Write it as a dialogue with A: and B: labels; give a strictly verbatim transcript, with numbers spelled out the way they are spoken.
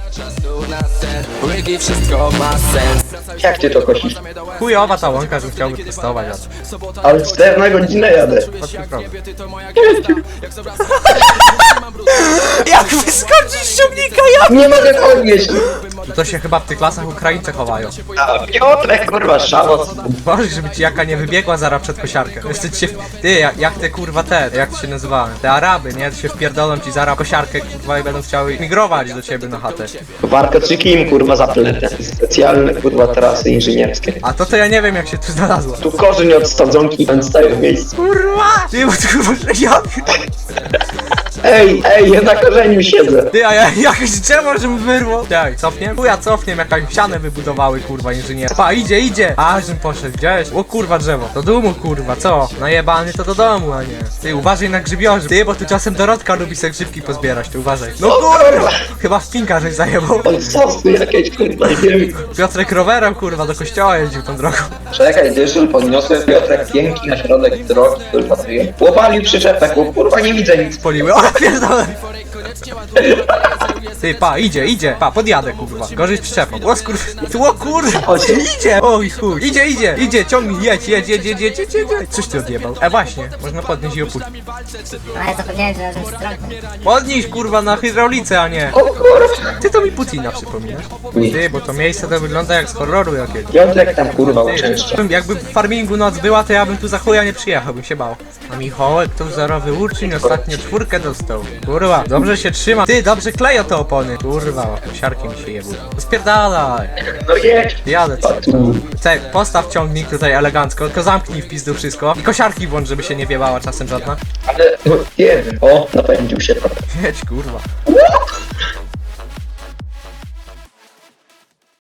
A: Wszystko ma sens.
B: Jak ty to kosisz?
C: Chujowa ta łąka, że chciałby testować, a
B: Ale cztery na godzinę jadę.
C: Jak wyskoczysz z ciągnika, ja...
B: Nie mogę podnieść!
C: To się chyba w tych lasach Ukraińcy chowają.
B: A Piotrek, kurwa, szałas.
C: Boże, żeby ci jaka nie wybiegła zaraz przed kosiarkę. Jeszcze ci się... Ty, jak, jak te kurwa te, jak to się nazywały? Te Araby, nie? To się wpierdolą ci zaraz kosiarkę, kurwa, i będą chciały migrować do ciebie na chatę.
B: Warkoczyki im, kurwa, zapletę. Specjalne, kurwa, trasy inżynierskie.
C: A to to ja nie wiem, jak się tu znalazło.
B: Tu korzeń od sadzonki, ten staje w miejscu.
C: Kurwa! Ty, bo tu kurwa, ja...
B: Ej, ej, ja na korzeniu siedzę.
C: Ty, a ja jakieś drzewo, żebym wyrwał. Tak, cofniem? Chuja, cofniem, jakaś ścianę wybudowały, kurwa, inżynier. Pa, idzie, idzie. A, żebym poszedł, gdzieś. O kurwa, drzewo. Do domu, kurwa, co? Najebany to do domu, a nie. Ty, uważaj na grzybiorzy. Ty, bo tu czasem Dorotka lubi se grzybki pozbierać, ty uważaj. No kurwa! Chyba w pinka żeś zajebał.
B: Oj, sosy jakieś, kurwa, nie wiem.
C: Piotrek rowerem, kurwa, do kościoła jeździł tą drogą.
B: Czekaj, dyżur podniosłem, Piotrek piękki na środek drogi, kurwa, ty. Łopalił przyczepę, kurwa, nie widzę nic.
C: Poliły, o, pierdolę. Ty, pa, idzie, idzie. Pa, podjadę, kurwa. Gorzej z przyczepą. O skurw... O kurwa, idzie. Oj chuj. Idzie, idzie, idzie, ciągnij, jedź, jedź, jedź, jedź, jedź, jedź, jedź. Coś ty odjebał. E, właśnie, można podnieść i opuścić.
D: A ja zapomniałem, że razem z trąbą.
C: Podnieś, kurwa, na hydraulice, a nie.
B: O kurwa.
C: Ty to mi Putina przypominasz. Ty, bo to miejsce to wygląda jak z horroru jakiegoś.
B: Piotrek tam, kurwa, uczęszcza.
C: Ty, jakby w farmingu noc była, to ja bym tu za chuja nie przyjechał, bym się bał. A Michałek to wzorowy uczeń, ostatnio czwórkę dostał. Kurwa, dobrze się trzyma. Ty, dobrze kleją te opony. Kurwa, siarki mi się jebły. Spierdalaj.
B: No jedź.
C: Jadę co.
B: Tu.
C: Cek, postaw ciągnik tutaj elegancko, tylko zamknij w pizdu wszystko. I kosiarki włącz, żeby się nie wiebała czasem żadna.
B: Ale, no, nie wiem. O, napędził się trochę.
C: Jedź, kurwa.